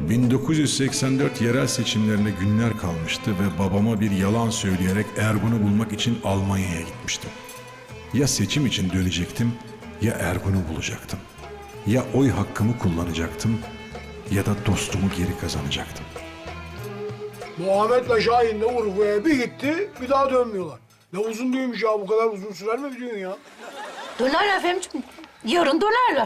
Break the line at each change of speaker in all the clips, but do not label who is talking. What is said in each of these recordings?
1984 yerel seçimlerine günler kalmıştı ve babama bir yalan söyleyerek Ergun'u bulmak için Almanya'ya gitmiştim. Ya seçim için dönecektim ya Ergun'u bulacaktım. Ya oy hakkımı kullanacaktım ya da dostumu geri kazanacaktım.
Muhammed'le Şahin de Urfa'ya bir gitti, bir daha dönmüyorlar. Ne uzun düğünmüş ya, bu kadar uzun sürer mi bir düğün ya?
Dönerler Fehmi'ciğim. Yarın dönerler.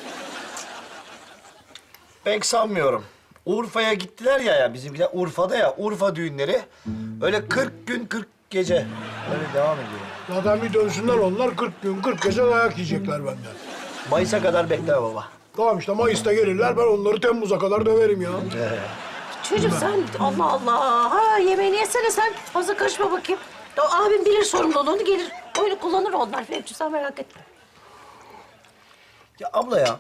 Pek sanmıyorum. Urfa'ya gittiler ya bizimkiler Urfa'da ya Urfa düğünleri öyle 40 gün 40 gece öyle devam ediyor.
Zaten bir dönsünler onlar, 40 gün 40 gece dayak yiyecekler benden.
Mayıs'a kadar bekle baba.
Tamam işte Mayıs'ta gelirler, ben onları Temmuz'a kadar döverim ya.
Çocuğum sen Allah Allah. Ha yemeğini yesene sen. Fazla karışma bakayım. Ya, abim bilir sorumluluğunu gelir. Oyunu kullanır onlar Fehmi'ciğim sen merak etme.
Ya abla ya.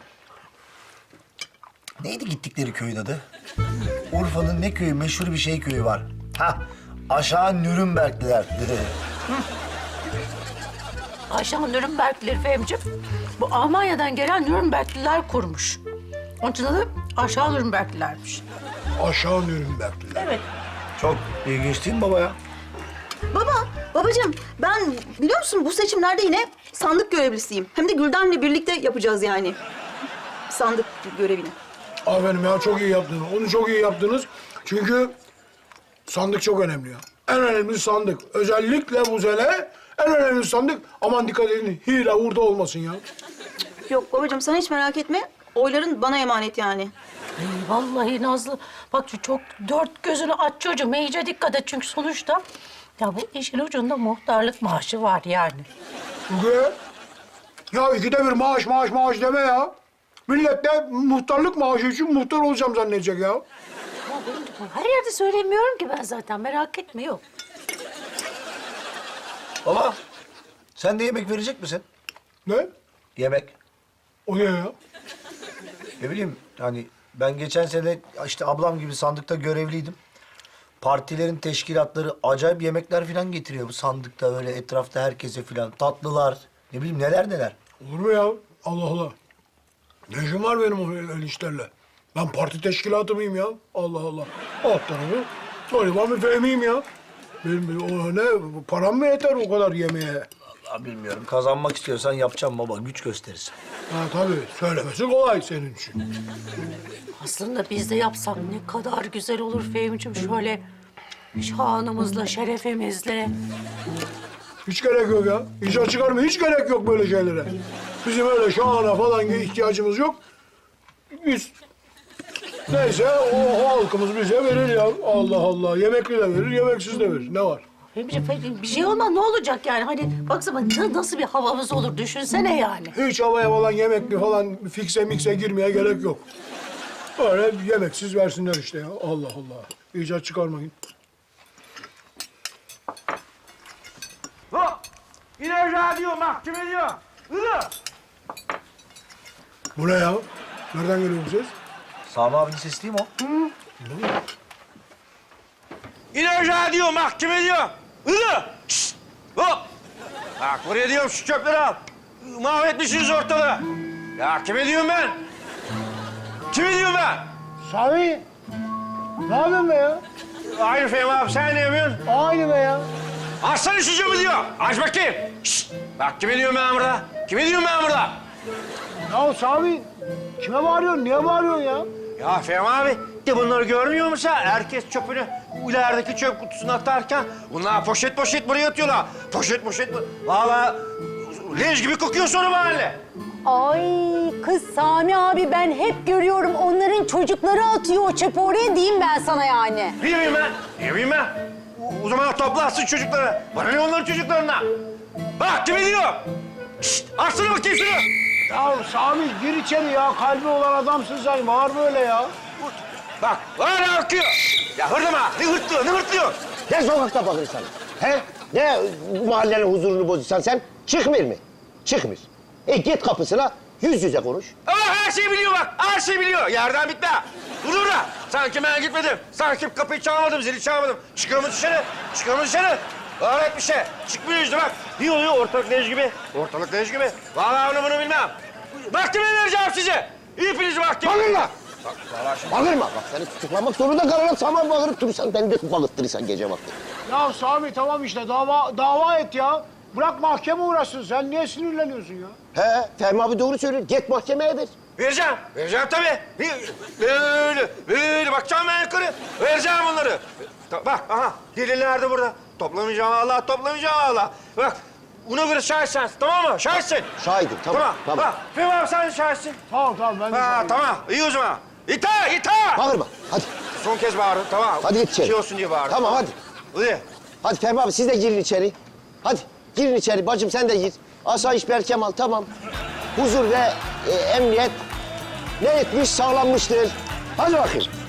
Neydi gittikleri köyün adı? Urfa'nın ne köyü, meşhur bir şey köyü var. Ha, aşağı Nürnbergliler.
Ayşe Nürnbergliler Fehmi'ciğim. Bu Almanya'dan gelen Nürnbergliler kurmuş. Onun için adı aşağı Nürnberglilermiş.
Aşağı Nürnbergliler.
Evet.
Çok ilginç değil mi baba ya?
Babacığım ben biliyor musun bu seçimlerde yine sandık görevlisiyim. Hem de Gülden'le birlikte yapacağız yani. Sandık görevini.
Aferin ya, çok iyi yaptınız. Onu çok iyi yaptınız. Çünkü sandık çok önemli ya. En önemli sandık. Özellikle bu sene en önemli sandık. Aman dikkat edin, hile hurda olmasın ya.
Yok babacığım sen hiç merak etme. Oyların bana emanet yani.
Ay, vallahi Nazlı bak şu çok dört gözünü aç çocuğum. İyice dikkat et çünkü sonuçta ya bu işin ucunda muhtarlık maaşı var yani.
Çünkü ya ikide bir maaş deme ya. Millet de muhtarlık maaşı için muhtar olacağım zannedecek ya.
Ya benim her yerde söylemiyorum ki ben zaten merak etme yok.
Baba, sen de yemek verecek misin?
Ne?
Yemek.
O ne ya?
Ne bileyim yani ben geçen sene işte ablam gibi sandıkta görevliydim. Partilerin teşkilatları acayip yemekler falan getiriyor bu sandıkta öyle etrafta herkese falan. Tatlılar, ne bileyim neler neler.
Olur mu ya? Allah Allah. Ne işim var benim o öyle işlerle? Ben parti teşkilatı mıyım ya? Allah Allah. Alt tarafı. Galiba bir Fehmi'yim ya. Benim o ne? Param mı yeter o kadar yemeğe?
Vallahi bilmiyorum. Kazanmak istiyorsan yapacağım baba. Güç gösterirsin.
Ha tabii. Söylemesi kolay senin için.
Aslında biz de yapsak ne kadar güzel olur Fehmi'ciğim şöyle şanımızla, şerefimizle.
Hiç gerek yok ya. İcat çıkarma. Hiç gerek yok böyle şeylere. Bizim öyle şahana falan ihtiyacımız yok. Biz neyse o halkımız bize verir ya. Allah Allah. Yemekli de verir, yemeksiz de verir. Ne var?
Fehmi'ciğim bir şey olmaz ne olacak yani hani baksana nasıl bir havamız olur düşünsene yani.
Hiç havaya falan yemekli falan fikse mikse girmeye gerek yok. Öyle yemeksiz versinler işte ya. Allah Allah. İcat çıkarmayın.
Hop! Yine radyo mahkeme diyor. Hılı!
Bu ne ya? Nereden geliyor bu ses?
Sami abinin sesi değil mi o?
Yine radyo mahkeme diyor. Hılı! Şşt! Hop! Bak buraya diyorum şu çöpleri al. Mahvetmişsiniz ortalığı. Ya kime diyorum ben? Kime diyorum ben?
Sami! Ne yapıyorsun be ya?
Aynı Fehmi abi sen ne yapıyorsun?
Aynı be ya.
Açsana şu camı diyor. Aç bakayım. Şşt! Bak kime diyorum ben burada? Kime diyorum ben burada?
Ya Sami, kime bağırıyorsun? Niye bağırıyorsun ya?
Ya Fehmi abi de bunları görmüyor musun sen? Herkes çöpünü ilerideki çöp kutusuna atarken bunlar poşet poşet buraya atıyorlar. Poşet poşet. Vallahi leş gibi kokuyor sonra mahalle.
Ay kız Sami abi ben hep görüyorum onların çocukları atıyor o çöpü oraya diyeyim ben sana yani.
Ne bileyim ben? Ne bileyim ben? O zaman toplarsın çocukları. Bana ne onların çocuklarına? Bak kimi diyor? Şşt! Açsana bakayım şunu.
Ya Sami gir içeri ya. Kalbi olan adamsın sen. Bağır böyle ya.
Bak hala akıyor. Ya hırlama. Ne hırtlıyor, ne hırtlıyor?
Ne sokakta bakırsan? He? Ne mahallenin huzurunu bozuyorsan sen? Çıkmıyor mu? Çıkmıyor. Git kapısına yüz yüze konuş.
Aa, her şeyi biliyor bak. Her şeyi biliyor. Yerden bitti ha. Dur orada. Sanki ben gitmedim. Sanki kapıyı çalmadım, zili çalmadım. Çıkıyor mu dışarı? Çıkıyor mu dışarı? Öğret bir şey. Çıkmıyor işte bak. Ne oluyor? Ortalık leş gibi. Ortalık leş gibi. Vallahi onu bunu bilmem. Mahkemeye vereceğim sizi. Hepinizi mahkemeye.
Bakın lan! Bağırma bak seni tutuklamak zorunda kalırım. Sana bağırıp durursan beni de bağırttırırsan gece vakti.
Ya Sami tamam işte dava et ya. Bırak mahkeme uğraşsın. Sen niye sinirleniyorsun ya?
He Fehmi abi doğru söylüyor. Git mahkemeye ver.
Vereceğim tabii. Böyle bakacağım ben yukarı. Vereceğim bunları. Bak, aha, delil nerede burada? Toplamayacağım Allah, toplamayacağım Allah. Bak, ona göre şahitsin, tamam mı? Şahitsin.
Şahidim tamam.
Tamam. Bak, Fehmi abi sen de şahitsin.
Tamam ben de
Ha,
sana-
tamam, iyi o zaman. İta!
Bağırma hadi.
Son kez bağırın, tamam.
Hadi git içeri.
Şey olsun diye bağırın.
Tamam hadi.
Hadi.
Hadi Fehmi abi siz de girin içeri. Hadi girin içeri. Bacım sen de gir. Asayiş Berkemal tamam. Huzur ve emniyet ne etmiş sağlanmıştır. Hadi bakayım.